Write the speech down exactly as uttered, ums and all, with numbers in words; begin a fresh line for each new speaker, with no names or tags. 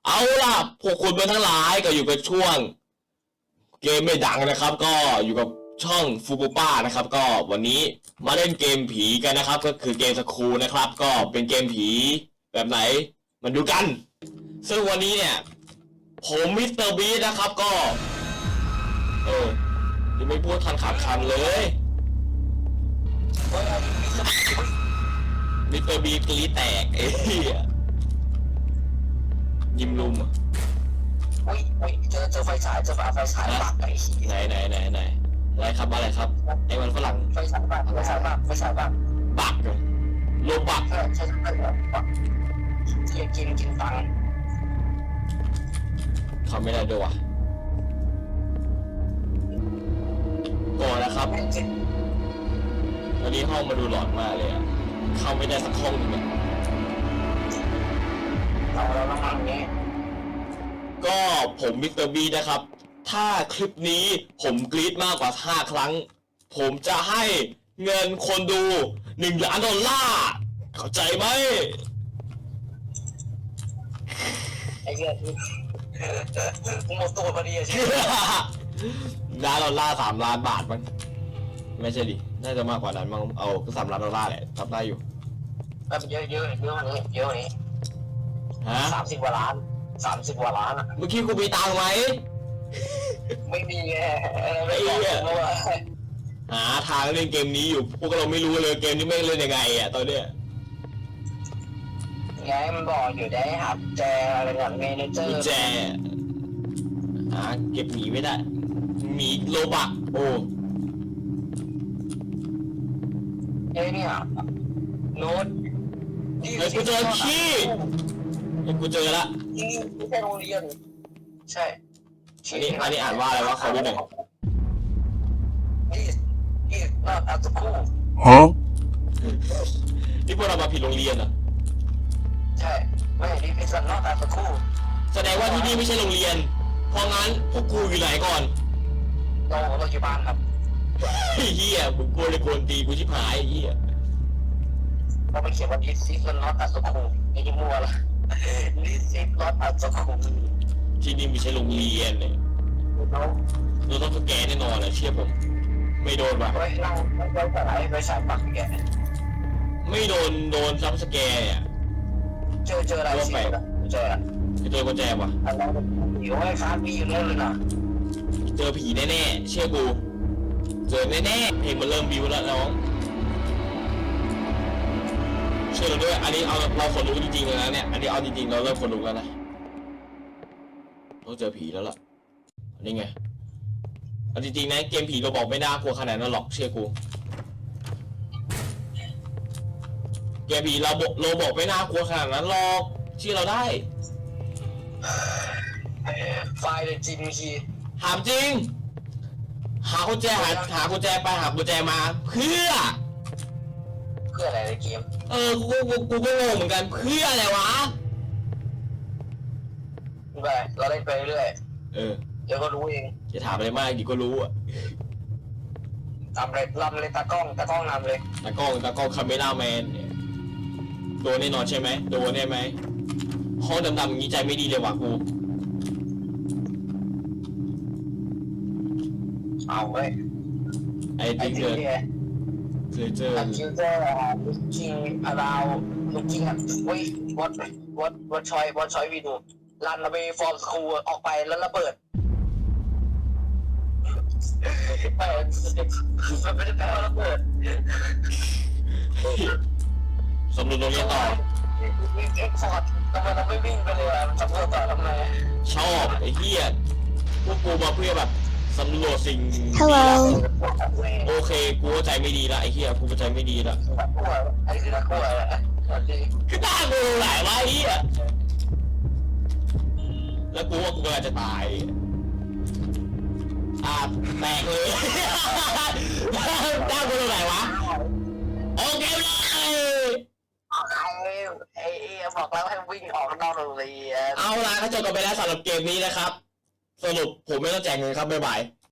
เอาล่ะพวกคุณเป็นทั้งหลายก็อยู่กับช่วงเกมไม่ดังนะครับ ก็อยู่กับช่องฟูปูป้านะครับ ก็วันนี้มาเล่นเกมผีกันนะครับ ก็คือเกมสคูนะครับ ก็เป็นเกมผีแบบไหนมันดูกัน ซึ่งวันนี้เนี่ยผมมิสเตอร์บีนะครับก็เออยังไม่พูดทันขาดคำเลยมิสเตอร์บีกรีแตกไอ้เหี้ยยิมลุมอ่ะ
อุ้ยอุ้ยเจอเจอไฟฉายเจอไฟฉายปักไอ้ขี้
ไหนไหนไหนไหนอะไรครับอะไรครับไอ้มันฝรั่ง
ไฟฉายปักไฟฉายปักไฟฉายปัก
บักเหรอโลบัก
ใช่ใช่ใช่ปักกินกินกินตังค์
ทำไม่ได้ด้วยวะก่อนนะครับตอนนี้ห้องมาดูหลอนมากเลยอะเข้าไม่ได้สักห้องหนึ่งอะ
เราเราต้องทำอย่างนี้
ก็ผมมิสเตอร์บีนะครับถ้าคลิปนี้ผมกรี๊ดมากกว่าห้าครั้งผมจะให้เงินคนดูหนึ่งล้านดอลลาร์เข้าใจไหม
ไอ้เงี้ยหมดตัวพอดีใช่
ล้านดอลลาร์สามล้านบาทมั้งไม่ใช่ดิน่าจะมากกว่านั้นมั้งเอาก็สามล้านดอลลาร์แหละทำได้อยู่
แบบเยอะเยอะเยอะนี้เยอะนี้
ฮะ
สามสิบกว่าล้านสามสิบกว่าล้านอ่ะ
เมื่อกี้กูมีตังค์ไหม
ไม่มีไงไม่บอกว่า
หาทางเล่นเกมนี้อยู่พวกเราไม่รู้เลยเกมนี้ไม่เล่นยังไงอ่ะตอนเนี้ย
ไงมันบอกอยู่ได้หาแจอะไรอย่างเมนเจอร์
แจหาเก็บหมีไม่ได้หมีโลบักโอ้
เอ้เนี่ยโน้ต
ไอ้กูเจอขี้ไอ้กูเจอละ
นี่ไม่ใช่โรงเรียนใช่
อันนี้อันนี้อ่านว่าอะไรวะเขาดูหน่อย
นี่นี่น่าอาจจะคู่
ฮะนี่พวกเรามาผิดโรงเรียนเหรอ
ใช่ไม่นี่เป็นสันนอกอาจจะคู่
แสดงว่าที่นี่ไม่ใช่โรงเรียนเพราะงั้นพวกกูอยู่ไหนก่อน
เราเราอยู่บ้านครับ
ไอ้เหี้ยมึงกลัวเลยกวนตีกูชิบหายไอ้เหี้ย
เราไปเขียนว่า this is not a school ไอ้ยี่มัวละ this is not a school
ที่นี่ไม่ใช่โรงเรียนเลย
เรา
เราต้องสแกนแน่นอนเลยเชื่อผมไม่โดนว่ะ
เฮ้ยเราเราจะไหนไปสายปักแก
ไม่โดนโดนซับสแกร์อ่ะ
เจอเจออะไรสิเจอ
เจอกุญแจว่ะ
อะไรอยู่ไอ้ฟ้ามีอยู่นู่นเลยนะ
เจอผีแน่ๆเชื่อกูเจอแน่ๆเพลงมันเริ่มบิวแล้วน้องเชื่อเราด้วยอันนี้เอาเราคนรู้จริงๆเลยนะเนี่ยอันนี้เอาจริงๆเราเริ่มคนรู้แล้วนะต้องเจอผีแล้วล่ะนี่ไงเอาจริงๆนะเกมผีเราบอกไม่น่ากลัวขนาดนั้นหรอกเชื่อกูเกมผีเราบอกเราบอกไม่น่ากลัวขนาดนั้นหรอกเชื่อเราได้
ไฟเลยจริงคี
ถามจริงหากุญแจหาหากุญแจไปหากุญแจมาเพื่อ
เพื่ออะไรในเกม
เออกูกูกูก็งงเหมือนกันเพื่ออะไรวะ
ไปเราเล่นไปเรื่อย
เออ
เดี๋ยวก็รู้เอง
จะถามอะไรมากดีก็รู้อ่ะ
ทำเลยลำเลยตากล้องตากล้องนำเลย
ตากล้องตากล้องคาเมล่าแมนเนี่ยโดนแน่นอนใช่ไหมโดนแน่ไหมห้องดำๆอย่างนี้ใจไม่ดีเลยว่ะกู
เอาเว้ย
ไอ้ติ๊กเกอร์เคยเจอ
คิวเจอร์ลูกจิงอาราวลูกจิงอ่ะเฮ้ยวัดวัดวัดชอยวัดชอยวีดูรันระเบย์ฟอร์มสคูลออกไปแล้วระเบิดไม่มันไม่ได้แปลว่าระเบิด
สำรวจตรงนี้ต่อ
เอ็กซ์ฟอร์ดทำไมเราไม่วิ่งไปเลยอ่ะสำรวจต่อทำไม
ชอบไอ้เหี้ยพวกกูมาเพื่อแบบสำรวจสิ่งโอเคกูใจไม่ดีละไอ้เหี้ยกูใจไม่ดีละ
ไอ้คือนักกู้อะไร
คือตากูหลายวะไอ้เหี้ยแล้วกูว่ากูกำลังจะตายอ่าแตกเลยตากูตรงไหนวะโอเคเลย
ไอ้บอกแล้วให้วิ่งออกนอกโรงเรียน
เอาละก็จบกันไปแล้วสำหรับเกมนี้นะครับสรุปผมไม่ต้องแจกเงินครับบ๊ายบาย